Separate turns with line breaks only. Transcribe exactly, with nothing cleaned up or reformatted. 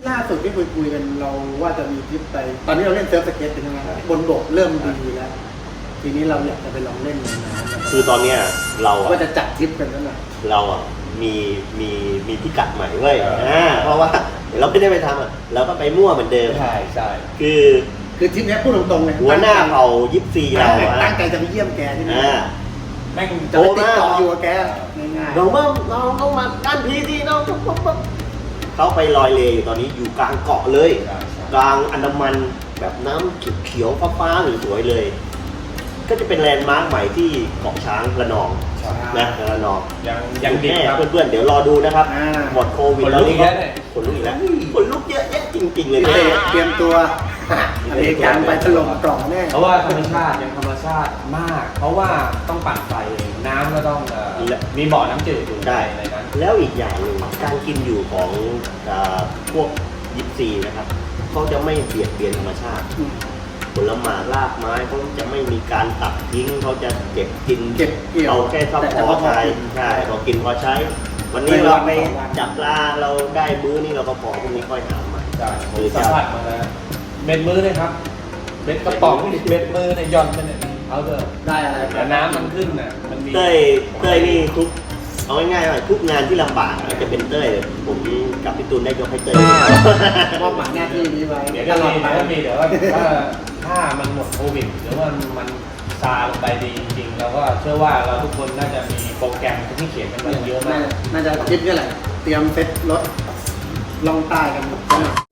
ล่าสุดที่คุยคุยกันเราว่าจะมีทริปไปตอนนี้เราเล่นเซิร์ฟสเก็ตเป็นยังไงบนบกเริ่มดีแล้วทีนี้เราอยากจะไปลองเล่นในน้ำ
คือตอนเนี้ยเราอะ
ว่าจะจัดทริปกันนั่นแหละ
เราอ่ะมีมีมีพิกัดใหม่เว้ยอ่าเพราะว่าเดี๋ยวเราไม่ได้ไปทำอ่ะเราก็ไปมั่วเหมือนเดิม
ใช่ใช่
คือ
คือทริปนี้พูดตรงๆเลย
หัวหน้าเผ่ายิปซีเราอ่ะ
ตั้งใจจะไปเยี่ยมแกที่นี่
อ่า
แม่ง
จะไปติดต่ออยู่กับแกง่าย
น้องเบิ้มน้องต้องมาด้านพีดีน้องปุ๊บปุ๊บปุ๊บเขาไปลอยเลอยู่ตอนนี้อยู่กลางเกาะเลย
ใช่ใช่
กลางอันดามันแบบน้ำเขียวๆฟ้าๆสวยๆเลย ก็จะเป็นแลนด์มาร์คใหม่ที่เกาะช้างระนอง
ใช่
นะระนอง
ยังยังดิบ
แน่
ครับ
เพื่อนๆเดี๋ยวรอดูนะครับ
อ่า
หมดโควิด
ขนลุกอีกแล้วเนี่ย
ขนลุกอีกแล้วขนลุกเยอะแยะจริงๆเลย
ๆ
เนี่ย
เตรียมตัวอเมริกันไปถล่มกล่องแน่
เพราะว่าธรรมชาติยังธรรมชาติมาก เพราะว่าต้องปั่นไฟเองน้ำก็ต้องเอ่อมีบ่อน้ำจืดอยู่
ได้
ในนั้น
แล้วอีกอย่างหนึ่งการกินอยู่ของอ่าพวกยิปซีนะครับเขาจะไม่เบียดเบียนธรรมชาติ ผลไม้รากไม้เขาจะไม่มีการตัดทิ้งเขาจะเก็บกิน
เก็บเกี่ยว
เราแค่ชอบ
แต่
พ
พ
อ
อ
ใช้ใช่พอกินพอใช้ วันนี้
ไม่
เรา
วัน
ไป
สองวัน
จับปลาเราได้มื้อนี้เราก็พอพรุ่งนี้ค่อยหาใหม่
ใช่ผมสัมผัสมาแล้วเบ็ดมือเลยครับเบ็ดกระป๋องเบ็ดมือเนี่ยหย่อนไปเนี่ยเอาเถอะ
ได้อะไร
แต่น้ำมันขึ้นน่ะมันมี
เต้ยเต้ยนี่ทุกเอาง่ายๆว่าทุกงานที่ลำบากอาจจะเป็นเต้ยผมกับพี่ตูนได้ยกให้เต้ย
มอบหมายหน้าที่นี้ไว้
เดี๋ยว
ต
ก็
ลอด
มี
ไป
เดี๋ยวก็มีเดี๋ยวว่าถ้าถ้ามันหมดโควิดหรือว่ามันซาลงไปดีจริงๆเราก็เชื่อว่าเราทุกคนน่าจะมีโปรแกรมที่เขียนกันมาเยอะมาก
น่าจะทริปนี่แหละ เตรียมเซ็ตรถลองใต้กันหมด